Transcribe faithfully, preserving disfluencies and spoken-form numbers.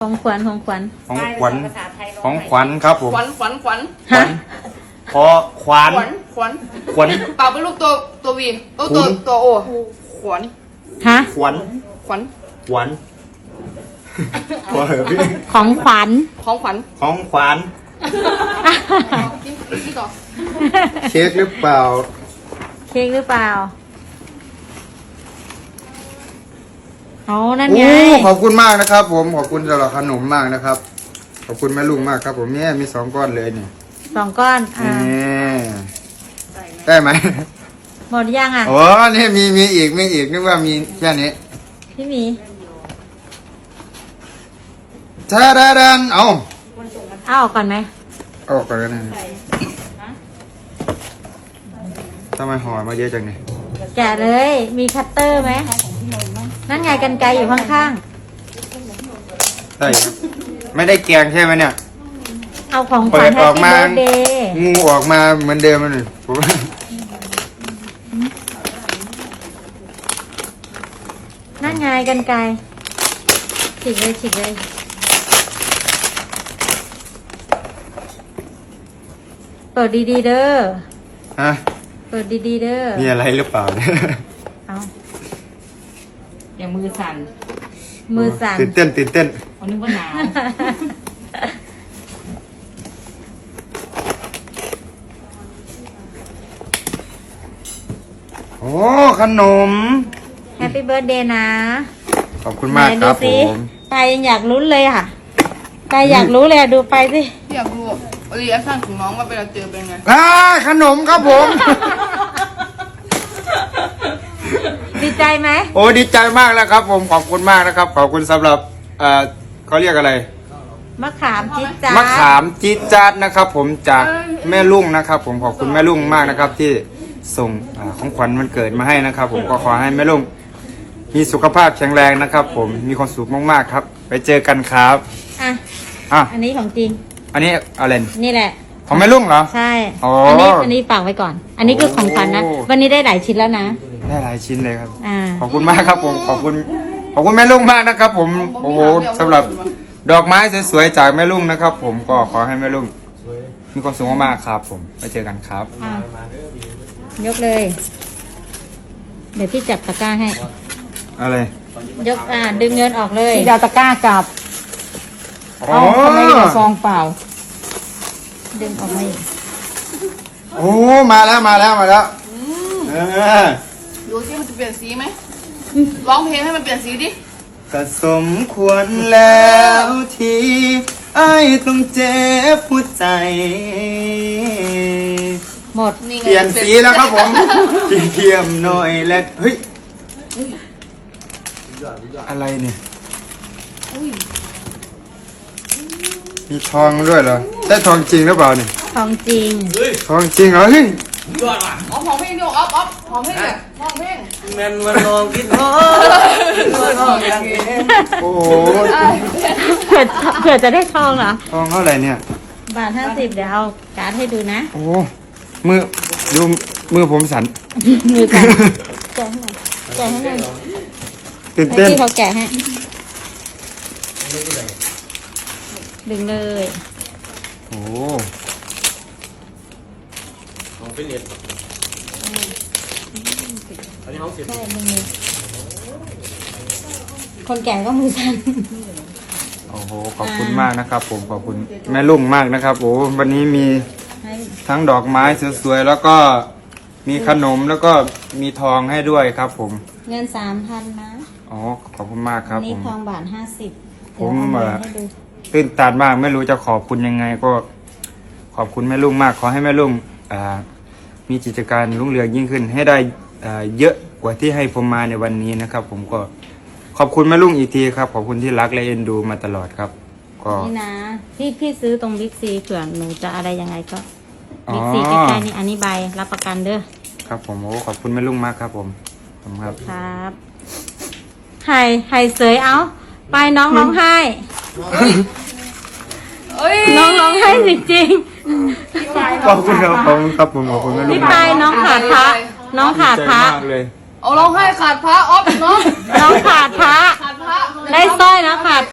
ของขวัญของขวัญของขวัญของขวัญครับผมขวัญขวัญขวัญขวัญขอขวัญขวัญขวัญขวัญเปล่าเป็นลูกตัวตัววีตัวตัวตัวโอขวัญฮะขวัญขวัญขวัญพอเหรอพี่ของขวัญของขวัญของขวัญกินกินต่อเค้กหรือเปล่าเค้กหรือเปล่าเอานั่นไงโอ้ขอบคุณมากนะครับ ผมขอบคุณสำหรับขนมมากนะครับ ขอบคุณแม่ลุงมากครับ ผมเนี่ยมีสองก้อนเลยเนี่ยสองก้อนอ่านี่ได้ไหมหมดยังอ่ะโอ้นี่มีมีอีกมีอีกนึกว่ามีแค่นี้พี่หมีชาดาดันเอาเอาออกก่อนไหมเอาออกก่อนก็ได้นะทำไมห่อมาเยอะจังเนี่ยแกะเลย มีคัตเตอร์ไหมนั่นไงกรรไกรอยู่ข้างได้ครับไม่ได้แกงใช่ไหมเนี่ยๆเอาของขวัญเปิดแฮอปอกปี้มาเบิร์ดเดย์งูออกมาเหมือนเดิมเลยผมนั่นไงกรรไกรฉีกเลยฉีกเลยเปิดดีๆเด้อฮะเปิดดีๆเด้อมีอะไรหรือเปล่าเนี่ยเอาอย่างมือสั่นมือสั่นตื่นเต้นตื่นเต้นเขานึกว่าหนาวโอ้ขนมแฮปปี้เบิร์ดเดย์นะขอบคุณมากไหนคดูรับผสิมไปยังอยากลุ้นเลยค่ะไปอยากรู้เลยอะดูไปสิอยากรู้รีแอคชั่นของน้องว่าเวลาเจอเป็นไงอ่าขนมครับผมดีใจไหมโอ้ดีใจมากแล้วครับ ผมขอบคุณมากนะครับ ขอบคุณสำหรับเอ่อเขาเรียกอะไรมะขามจิ๊ดจ๊าดมะขามจี๊ดจ๊าดนะครับ ผมจากแม่ลุงนะครับ ผมขอบคุณแม่ลุงมากนะครับ ที่ส่งอาของขวัญวันเกิดมาให้นะครับ ผมก็ขอให้แม่ลุงมีสุขภาพแข็งแรงนะครับ ผมมีความสุขมากๆครับ ไปเจอกันครับอ่ะอ่ะอันนี้ของจริงอันนี้อะไรนี่แหละของแม่ลุงเหรอใช่อ๋ออัอันี้อันนี้ฝากไว้ก่อน อันนี้คือของขวัญนะโอ้วันนี้ได้หลายชิ้นแล้วนะได้หลายชิ้นเลยครับอ่าขอบคุณมากครับ ผมขอบคุณขอบคุณแม่ลุงมากนะครับ ผมโอ้โหสำหรับดอกไม้สวยๆจากแม่ลุงนะครับ ผมก็ขอให้แม่ลุงมีความสุขมากๆครับ ผมไปเจอกันครับอ่ะยกเลย เดี๋ยวพี่จับตะกร้าให้อะไรยกอ่าดึงเงินออกเลยพี่ดาวตะกร้ากลับอ๋อทำไมมีแต่ซองเปล่าดึงออกมาอีกโอ้มาแล้วมาแล้วมาแล้วเออดูสิมันจะเปลี่ยนสีไหมร้องเพลงให้มันเปลี่ยนสีดิก็สมควรแล้วที่ไอ้ต้องเจ็บหัวใจหมดนี่ไงเปลี่ยนสีแล้วครับผมเทียมหน่อยและเฮ้ยอะไรเนี่ยอุ้ยมีทองด้วยเหรอใช่ทองจริงหรือเปล่าเนี่ยของจริงทองจริงเหรอเฮ้ยอ๋อหอมเพลงดิอ๊อฟอ๊อฟหอมเพลงเนี่ยหอมเพลงแม่นวันนองคิดฮอดวันนองยังเห็นโอ้โหเผื่อเผื่อจะได้ทองเหรอทองเท่าไหร่เนี่ยบาทห้าสิบเดี๋ยวเอาการ์ดให้ดูนะโอ้มือดูมือผมสั่นมือกันแกะให้หน่อยแกะให้หน่อยตื่นให้เต้นพี่เขาแกะให้ ดึงเลยโอ้ของฟิลิปอันนี้ห้องสิบใช่ดึงเลยคนแก่ก็มือสั่นโอ้โหขอบคุณมากนะครับ ผมขอบคุณแม่ลุงมากนะครับโอ้วันนี้มีให้ทั้งดอกไม้สวยๆแล้วก็มีขนมแล้วก็มีทองให้ด้วยครับ ผมเงินสามพันนะอ๋อขอบคุณมากคอัรันบนี้ผมทองบาทห้าสิบผมเดี๋ยวเอ่อเอาเงินให้ดูตื่นตันมากไม่รู้จะขอบคุณยังไงก็ ขอบคุณแม่ลุงมาก ขอให้แม่ลุงอ่ามีกิจการรุ่งเรืองยิ่งขึ้น ให้ได้อ่าเยอะกว่าที่ให้ผมมาในวันนี้นะครับ ผมก็ขอบคุณแม่ลุงอีกทีครับ ขอบคุณที่รักและเอ็นดูมาตลอดครับ ก็นี่นะ พี่พี่ซื้อตรงบิ๊กซีเผื่อหนูจะอะไรยังไงก็อ๋อบิ๊กซีใกล้ๆนี่อันนี้ใบรับประกันเด้อครับผมโอ้ขอบคุณแม่ลุงมากครับ ผมขอบคุณครับครับไห้ไห้เสยเอาไปน้องร้องไห้เอ้ยน้องร้องไห้จริงขอบคุณครับขอบคุณครับผมขอบคุณแม่ๆลุงพี่มาปาก ยน้องขาดพระน้องขาดพระใจมากเลยเอาร้องไห้ขาดพระอ๊อฟเนาะน้องขาดพระขาดพระได้สร้อยนะขาด